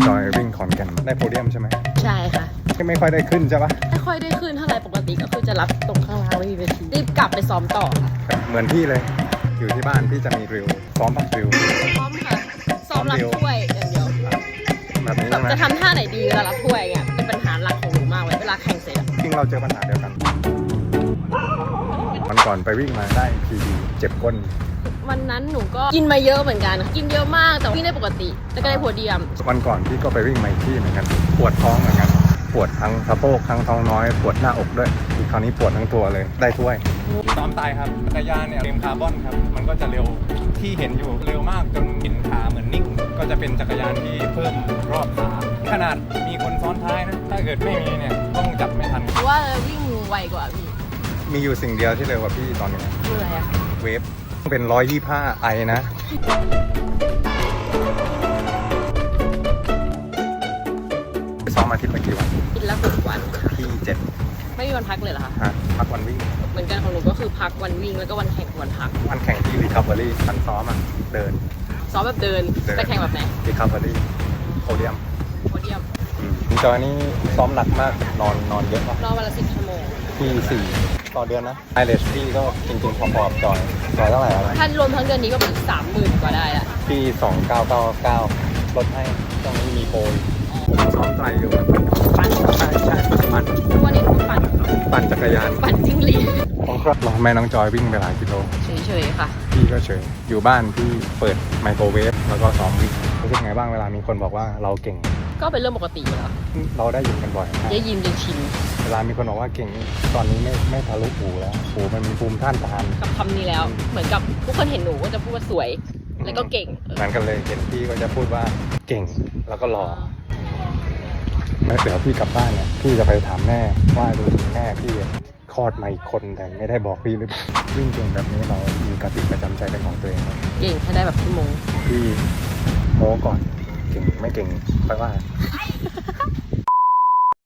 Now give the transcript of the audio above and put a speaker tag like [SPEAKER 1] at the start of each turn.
[SPEAKER 1] จอยวิ่งขอนแก่นได้โพเดียมใช่ไหม
[SPEAKER 2] ใช่ค่ะ
[SPEAKER 1] ไม่ค่อยได้ขึ้นใช่ปะ
[SPEAKER 2] ไม่ค่อยได้ขึ้นเท่าไหร่ปกติก็คือจะรับตรงข้างล่างไม่มีเวทีรีบกลับไปซ้อมต่อค่ะ
[SPEAKER 1] เหมือนพี่เลย อยู่ที่บ้านพี่จะมีดริลซ้อมพักดริล
[SPEAKER 2] ซ้อมค่ะซ้อมรับถ้วยอย่างเดียว
[SPEAKER 1] แบบนี้
[SPEAKER 2] แบ
[SPEAKER 1] ใช่
[SPEAKER 2] บ
[SPEAKER 1] ไหม
[SPEAKER 2] จะทำท่าไหนดีเวลารับถ้วยเงี้ยเป็นปัญหาหลักของหนูมากเลยเวลาแข่งเสร็จอะ
[SPEAKER 1] จริงเราเจอปัญหาเดียวกันวันก่อนไปวิ่งมาได้ทีดีเจ็บก้น
[SPEAKER 2] วันนั้นหนูก็กินมาเยอะเหมือนกันกินเยอะมากแต่วิ่งได้ปกติแล้วก็ได้โพเดียม
[SPEAKER 1] วันก่อนพี่ก็ไปวิ่งมาอีกที่เหมือนกันปวดท้องเหมือนกันปวดทั้งสะโพกทั้งท้องน้อยปวดหน้าอกด้วยคราวนี้ปวดทั้งตัวเลยได้ถ้วยซ้อมตายครับจักรยานเนี่ยเฟรมคาร์บอนครับมันก็จะเร็วที่เห็นอยู่เร็วมากจนเห็นขาเหมือนนิ่งก็จะเป็นจักรยานที่เพิ่มรอบขาขนาดมีคนซ้อนท้ายนะถ้าเกิดไม่มีเนี่ยต้องจับไม่ทัน
[SPEAKER 2] เพราะว่าวิ่งไวกว่าพี่
[SPEAKER 1] มีอยู่สิ่งเดียวที่เร็วกว่าพี่ตอนนี้
[SPEAKER 2] คืออะไรอะ
[SPEAKER 1] เวฟเป็น125ไอนะซ้อมอาทิตย์ละกี่วัน
[SPEAKER 2] กินแล้วฝึกวันค่ะ
[SPEAKER 1] พี่7
[SPEAKER 2] ไม่มีวันพักเลยเหรอคะ
[SPEAKER 1] ฮะพักวันวิ่ง
[SPEAKER 2] เหมือนกันของหนูก็คือพักวันวิ่งแล้วก็วันแข่งวันพัก
[SPEAKER 1] วันแข่งที่ recovery วันซ้อมอ่ะเดิน
[SPEAKER 2] ซ้อมแบบเดินแต่แข่งแบบไหน
[SPEAKER 1] recovery โพเดียม
[SPEAKER 2] โพเดียม
[SPEAKER 1] คุณจอยนี่ซ้อมหนักมากนอนเยอะมาก
[SPEAKER 2] รอวันละ10 ชั่วโมง
[SPEAKER 1] ที่4ต่อเดือนนะไอเลสพี่ก็จริงๆพอๆกับจอยเท่าไหร่อะไร
[SPEAKER 2] ถ้ารวมทั้งเดือนนี้ก็เป็น30,000 กว่าได้ละ
[SPEAKER 1] พี่2999ลดให้ตรงนี้มีโปรซ้อมไตรอยู่
[SPEAKER 2] ปั่น
[SPEAKER 1] ใช่ปั่น
[SPEAKER 2] ทุกวันนี้หนูปั่น
[SPEAKER 1] ปั่นจักรยาน
[SPEAKER 2] ปั่นจิ้งหรีด
[SPEAKER 1] ของครับเราแม่น้องจอยวิ่งไปหลายกิโล
[SPEAKER 2] เฉยๆค่ะ
[SPEAKER 1] พี่ก็เฉยอยู่บ้านพี่เปิดไมโครเวฟแล้วก็ซ้อมวิ่งรู้สึกไงบ้างเวลามีคนบอกว่าเราเก่ง
[SPEAKER 2] ก็เป็นเรื่องปกติอยู่แล้ว
[SPEAKER 1] เราได้ยินกันบ่อยมาก
[SPEAKER 2] ได้ยินจนชิน
[SPEAKER 1] เวลามีคนบอกว่าเก่งตอนนี้ไม่ทะลุหูแล้วหูมันมีภูมิต้านทาน
[SPEAKER 2] กับคำนี้แล้ว เหมือนกับทุกคนเห็นหนูก็จะพูดว่าสวย แล้วก็เก่ง
[SPEAKER 1] เหมือนกันเลยเห็นพี่ก็จะพูดว่าเก่งแล้วก็หล่อแล้วเดี๋ยวพี่กลับบ้านเนี่ยพี่จะไปถามแม่ว่าดูถึงแม่พี่คลอดมาอีกคนแต่ไม่ได้บอกพี่หรือเปล่าวิ่งเก่งแบบนี้เรามีกติประจำใจเป็นของตัวเองไหม
[SPEAKER 2] เก่งให้ได้แบบชั่วโมง
[SPEAKER 1] พี่โม้ก่อนเก่งไม่เก่งค่อยว่า